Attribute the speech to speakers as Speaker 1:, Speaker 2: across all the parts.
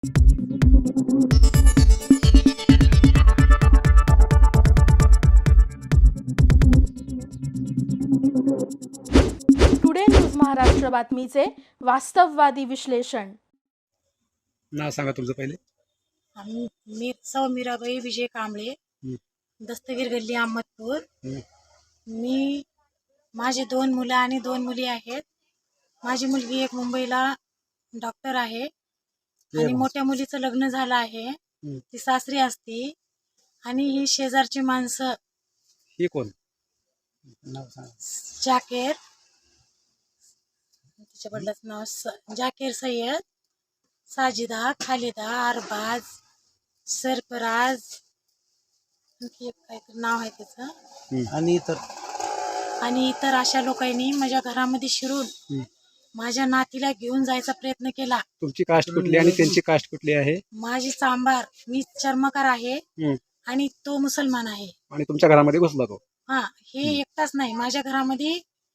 Speaker 1: Today news Maharashtra बातमीचे वास्तववादी विश्लेषण.
Speaker 2: नाव सांगा तुमचं पहिले.
Speaker 3: मी सौ मीराबाई विजय कांबळे, दस्तगीर गल्ली अहमदपूर. मी माझे 2 मुलं आणि 2 मुली आहेत. माझी मुलगी एक मुंबईला डॉक्टर आहे आणि मोठ्या मुलीचं लग्न झालं आहे. ती सासरी असती आणि ही शेजारची माणसं.
Speaker 2: ही कोण? नाव सांगा.
Speaker 3: जाकेर, तिच्या वडिलाचं नाव जाकेर सय्यद, साजिदा, खालिदा, अरबाज, सरफराज, आणखी एक काहीतरी नाव आहे त्याचं, आणि इतर अशा लोकांनी माझ्या घरामध्ये शिरून माझ्या नातीला घेऊन जायचा प्रयत्न केला.
Speaker 2: तुमची कास्ट कुठली आणि त्यांची कास्ट कुठली आहे?
Speaker 3: माझी चांभार, मी चर्मकार आहे आणि तो मुसलमान आहे.
Speaker 2: आणि तुमच्या घरामध्ये घुसला तो?
Speaker 3: हा, हे एकटाच नाही, माझ्या घरामध्ये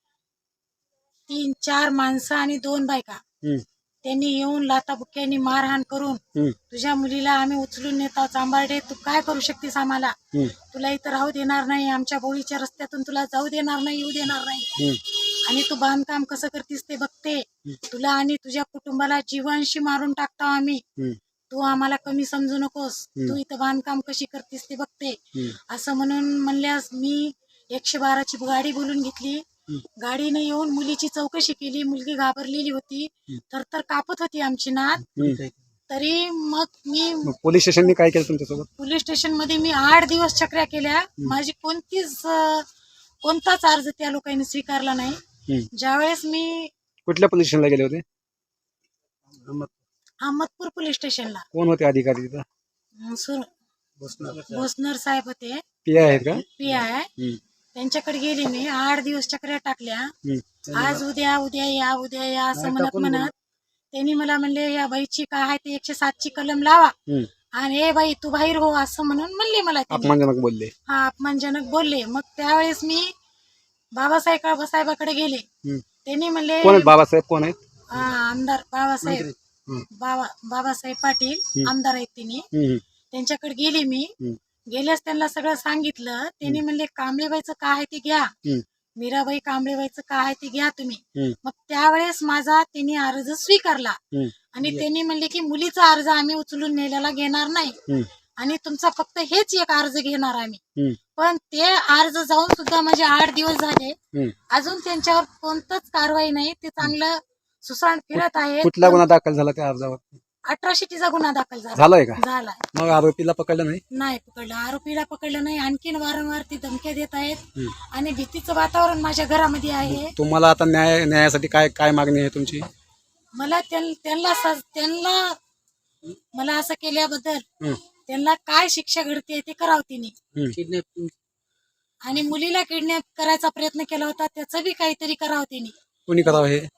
Speaker 3: 3-4 माणसं आणि 2 बायका. त्यांनी येऊन लाताबुक्क्यांनी मारहाण करून तुझ्या मुलीला आम्ही उचलून नेता चांबारडे, तू काय करू शकतेस आम्हाला, तुला इथं राहू देणार नाही, आमच्या बोळीच्या रस्त्यातून तुला जाऊ देणार नाही, येऊ देणार नाही, आणि तू बांधकाम कसं करतीस ते बघते, तुला आणि तुझ्या कुटुंबाला जीवांशी मारून टाकतो आम्ही, तू आम्हाला कमी समजू नकोस, तू इथं बांधकाम कशी करतीस ते बघते, असं म्हणल्यास मी 112ची गाडी बोलून घेतली. गाडीने येऊन मुलीची चौकशी केली. मुलगी घाबरलेली होती, तर कापत होती आमची नात. तरी मग मी
Speaker 2: पोलीस स्टेशनने काय केलं तुमच्यासोबत?
Speaker 3: पोलीस स्टेशन मध्ये मी 8 दिवस चक्र्या केल्या. माझी कोणताच अर्ज त्या लोकांनी स्वीकारला नाही. ज्यावेळेस मी
Speaker 2: कुठल्या पोलीस स्टेशनला गेले होते?
Speaker 3: अहमदपूर पोलीस स्टेशनला.
Speaker 2: कोण होते अधिकारी तिथं?
Speaker 3: भोसनर साहेब होते,
Speaker 2: पी आहेत का?
Speaker 3: पी आहे. त्यांच्याकडे गेली मी. 8 दिवस चक्र्या टाकल्या. आज उद्या या असं म्हणत त्यांनी मला म्हणले, या बाईची काय आहे ते 107ची कलम लावा आणि ए बाई तू बाहेर हो, असं म्हणले मला.
Speaker 2: अपमानजनक बोलले?
Speaker 3: हा, अपमानजनक बोलले. मग त्यावेळेस मी बाबासाहेबाकडे गेले. त्यांनी म्हणले,
Speaker 2: बाबासाहेब कोण आहेत?
Speaker 3: आमदार बाबासाहेब पाटील आमदार आहेत तिने. त्यांच्याकडे गेले मी. गेल्यास त्यांना सगळं सांगितलं. त्यांनी म्हणले, कांबळेबाईचं काय आहे ते घ्या, मीराबाई कांबळेबाईचं काय आहे ते घ्या तुम्ही. मग त्यावेळेस माझा त्यांनी अर्ज स्वीकारला आणि त्यांनी म्हणले की मुलीचा अर्ज आम्ही उचलून नेल्याला घेणार नाही आणि तुमचा फक्त हेच एक अर्ज घेणार आम्ही. पण ते अर्ज जाऊन सुद्धा माझे 8 दिवस झाले, अजून त्यांच्यावर कोणतंच कारवाई नाही. ते चांगलं सुसाट फिरत आहे.
Speaker 2: कुठला गुन्हा दाखल झाला त्या अर्जावर?
Speaker 3: 18शीचा गुन्हा दाखल
Speaker 2: झालाय का?
Speaker 3: झालाय.
Speaker 2: मग आरोपीला पकडलं नाही?
Speaker 3: नाही पकडलं, आरोपीला पकडलं नाही. आणखीन वारंवार ती धमक्या देत आहेत आणि भीतीचं वातावरण माझ्या घरामध्ये आहे.
Speaker 2: तुम्हाला आता न्यायासाठी काय मागणी आहे तुमची?
Speaker 3: मला त्यांना मला असं केल्याबद्दल त्यांना काय शिक्षा घडते ते करावं तिने. आणि मुलीला किडनॅप करायचा प्रयत्न केला होता, त्याचं बी काहीतरी करावं तिने.
Speaker 2: कोणी करावं हे?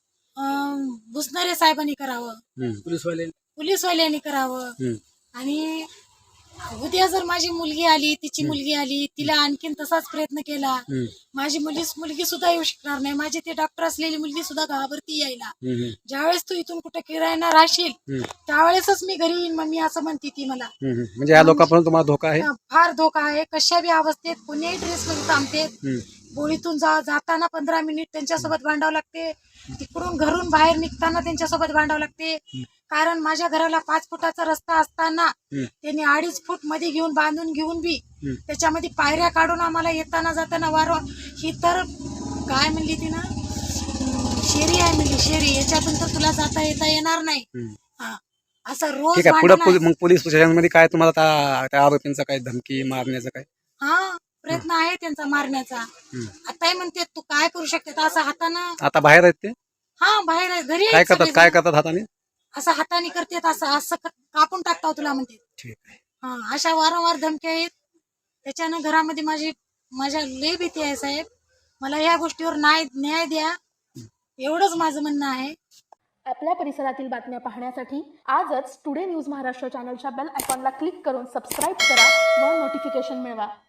Speaker 3: भुसनरे साहेबांनी करावं, पोलीसवाल्यांनी करावं. आणि उद्या जर माझी मुलगी आली, तिची मुलगी आली, तिला आणखीन तसाच प्रयत्न केला, माझी मुलगी सुद्धा येऊ शकणार नाही. माझी ते डॉक्टर असलेली मुलगी सुद्धा घाबरती यायला. ज्यावेळेस तू इथून कुठे किरायना राहशील त्यावेळेसच मी घरी येईन मम्मी, असं म्हणते ती मला.
Speaker 2: म्हणजे या लोकांपासून तुम्हाला धोका आहे?
Speaker 3: फार धोका आहे. कशा बी अवस्थेत कोणीही ड्रेस मध्ये थांबते. बोळीतून जाताना 15 मिनिट त्यांच्यासोबत भांडावं लागते, तिकडून घरून बाहेर निघताना त्यांच्यासोबत भांडावं लागते. कारण माझ्या घराला 5 फुटाचा रस्ता असताना त्यांनी 2.5 फूट मध्ये बांधून घेऊन बी त्याच्यामध्ये पायऱ्या काढून आम्हाला येताना जाताना ही तर काय म्हणली ती ना, शेरी आहे म्हणली, शेरी, याच्यातून तर तुला जाता येता येणार नाही. असं रोज.
Speaker 2: मग पोलीस स्टेशनमध्ये काय तुम्हाला त्या आरोपींचा काय धमकी मारण्याचा काय?
Speaker 3: प्रयत्न आहे त्यांचा मारण्याचा. आता म्हणते तू काय करू शकते, असं हातानं.
Speaker 2: आता बाहेर आहेत ते?
Speaker 3: बाहेर आहे, घरी.
Speaker 2: काय करतात हाताने?
Speaker 3: असं हाताने करतात, असं कापून टाकता तुला म्हणते. अशा वारंवार धमक्या आहेत. त्याच्यानं घरामध्ये माझ्या लय भीती आहे साहेब. मला या गोष्टीवर न्याय द्या, एवढंच माझं म्हणणं आहे.
Speaker 1: आपल्या परिसरातील बातम्या पाहण्यासाठी आजच टुडे न्यूज महाराष्ट्र चॅनलच्या बेल आयकॉनला क्लिक करून सबस्क्राईब करा व नोटिफिकेशन मिळवा.